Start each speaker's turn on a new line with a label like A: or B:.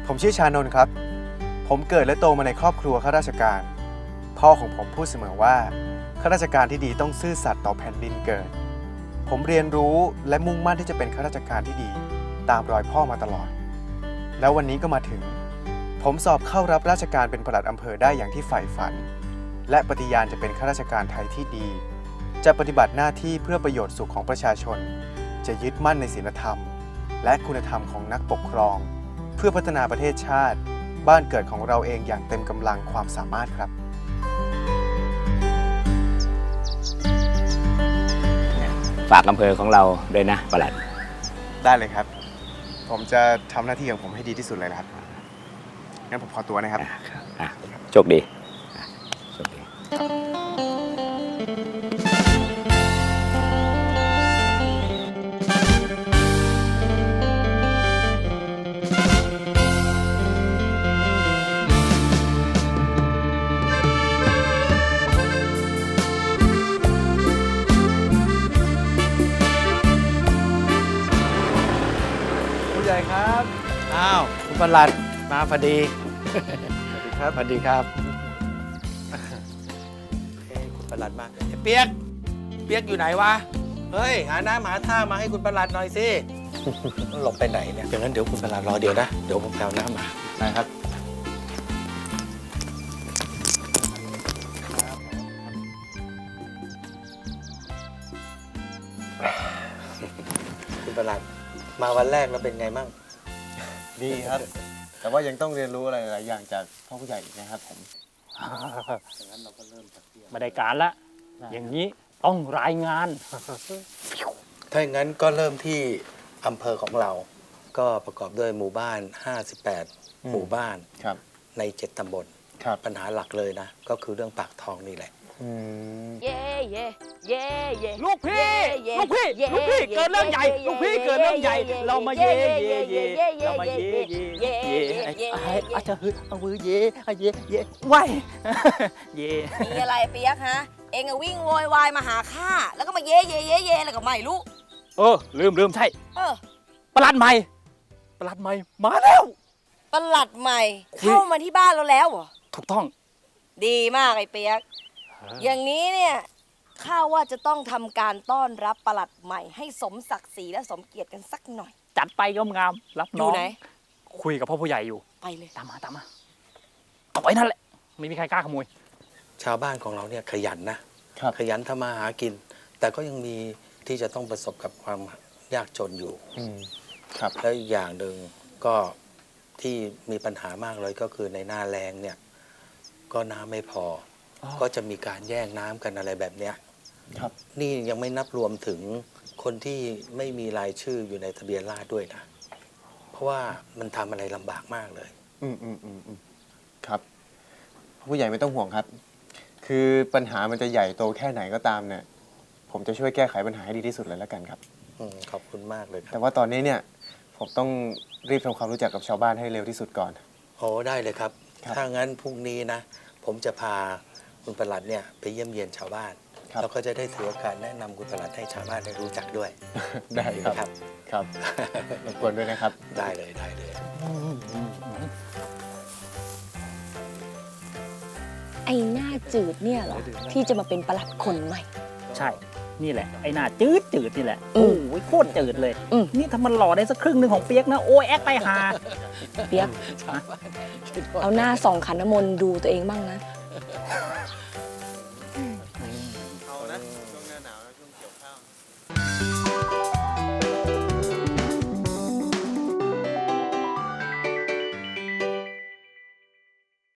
A: ผมชื่อชานนท์ครับ ผมเกิดและโตมาในครอบครัวข้าราชการ พ่อของผมพูดเสมอว่าข้าราชการที่ดีต้องซื่อสัตย์ต่อแผ่นดินเกิด ผมเรียนรู้และมุ่งมั่นที่จะเป็นข้าราชการที่ดีตามรอยพ่อมาตลอด แล้ววันนี้ก็มาถึง ผมสอบเข้ารับราชการเป็นปลัดอำเภอได้อย่างที่ใฝ่ฝัน และปฏิญาณจะเป็นข้าราชการไทยที่ดี จะปฏิบัติหน้าที่เพื่อประโยชน์สุขของประชาชน จะยึดมั่นในศีลธรรม และคุณธรรมของนักปกครอง เพื่อพัฒนาประเทศชาติ บ้านเกิดของเราเองอย่างเต็มกำลังความสามารถครับ
B: ฝากอำเภอของเราด้วยนะปลัด
A: ได้เลยครับ ผมจะทำหน้าที่ของผมให้ดีที่สุดเลยนะครับ งั้นผมขอตัวนะครับ
B: โชคดีโชคดี
A: ผู้ใหญ่ครับ
C: อ้าวคุณประหลัดมาพอดี
A: สวัสดีครับ
C: สวัสดีครับคุณประหลัดมาไอ้เปียกอยู่ไหนวะเฮ้ยหาน้ำหาท่ามาให้คุณประหลัดหน่อยสิ หลบไปไหนเนี่ยอย่างนั้นเดี๋ยวคุณประหลัดรอเดี๋ยวนะเดี๋ยวผมแปลน้ำมา
A: ได้ครับ
C: คุณประหลัดมาวันแรกแล้วเป็นไงมั่ง
A: ดีครับ แต่ว่ายังต้องเรียนรู้อะไรหลายอย่างจากพ่อผู้ใหญ่อีกนะครับผม
D: ไม่ได้การละ อย่างนี้ต้องรายงาน
C: ถ้าอย่างนั้นก็เริ่มที่อำเภอของเรา ก็ประกอบด้วยหมู่บ้าน 58 หมู่บ้าน
A: ครับ
C: ใน 7 ตำบล
A: ครับ
C: ปัญหาหลักเลยนะ ก็คือเรื่องปากท้องนี่แหละ
E: เย่เย่เย่เย่
D: ลูกพี่ ลูกพี่ ลูกพี่ เกิดเรื่องใหญ่ ลูกพี่เกิดเรื่องใหญ่ เรามาเย่เย่เย่เรามาเย่เย่เย่อาจจะฮึดเอามือเย่เย่เย่ไหวเย่
E: มีอะไรเปียกฮะ เองอะวิ่งโวยวายมาหาข้าแล้วก็มาเย่เย่เย่เย่อะไรก็ไม่รู้
D: ลืมใช่
E: เออ
D: ประหลัดใหม่มาแล้ว
E: ประหลัดใหม่ เข้ามาที่บ้านเราแล้วเหรอ
D: ถูกต้อง
E: ดีมากไอ้เปียก อย่างนี้เนี่ยข้าว่าจะต้องทำการต้อนรับประหลัดใหม่ ให้สมศักดิ์ศรีและสมเกียรติกันสักหน่อย
D: จัดไปงามๆรับ
E: อ
D: น้อยู่ ง
E: ไหน
D: คุยกับพ่อผู้ใหญ่อยู่
E: ไปเลย
D: ตามมาเอาไว้นั่นแหละ ไม่มีใครกล้าขโมย
C: ชาวบ้านของเราเนี่ยขยันนะครับ ขยันทำมาหากิน แต่ก็ยังมีที่จะต้องประสบกับความยากจนอยู่
A: ครับ
C: แล้วอีกอย่างหนึ่งก็ที่มีปัญหามากเลยก็คือในหน้าแล้งเนี่ยก็น้ำไม่พออก็จะมีการแย่งน้ำกันอะไรแบบเนี้ย
A: ครับ
C: นี่ยังไม่นับรวมถึงคนที่ไม่มีรายชื่ออยู่ในทะเบียนราษฎร์ด้วยนะ เพราะว่ามันทำอะไรลำบากมากเลย
A: ครับผู้ใหญ่ไม่ต้องห่วงครับ คือปัญหามันจะใหญ่โตแค่ไหนก็ตามเนี่ย ผมจะช่วยแก้ไขปัญหาให้ดีที่สุดเลยแล้วกันครับ
C: ขอบคุณมากเลยค
A: แต่
C: รับ
A: ว่าตอนนี้เนี่ยผมต้องรีบทำความรู้จักกับชาวบ้านให้เร็วที่สุดก่อน
C: โอ้ได้เลยครับ
A: ครับ
C: ถ้างั้นพรุ่งนี้นะ ผมจะพาคุณประหลัดเนี่ยไปเยี่ยมเยียนชาวบ้าน
A: ครับ
C: แล้วก็จะได้ถือโอกาสแนะนำคุณประหลัดให้ชาวบ้านได้รู้จักด้วย
A: ได้ครับ
C: ครับ
A: ครับรบกวนด้วยนะครับ
C: ได้เลยได้เลย
E: ไอ้หน้าจืดเนี่ยเหรอที่จะมาเป็นประหลัดคนใหม่
D: ใช่ นี่แหละ ไอ้หน้าจืดนี่แหละ
E: อื
D: โอ้
E: ม
D: ยโคตรจืดเลย
E: อืม
D: นี่ถ้ามันหล่อได้สักครึ่งหนึ่งของเปียกนะ โอ้ยแอคไปหา
E: เปียก เอาหน้าส่องขันน้ำมนต์ดูตัวเองบ้างนะ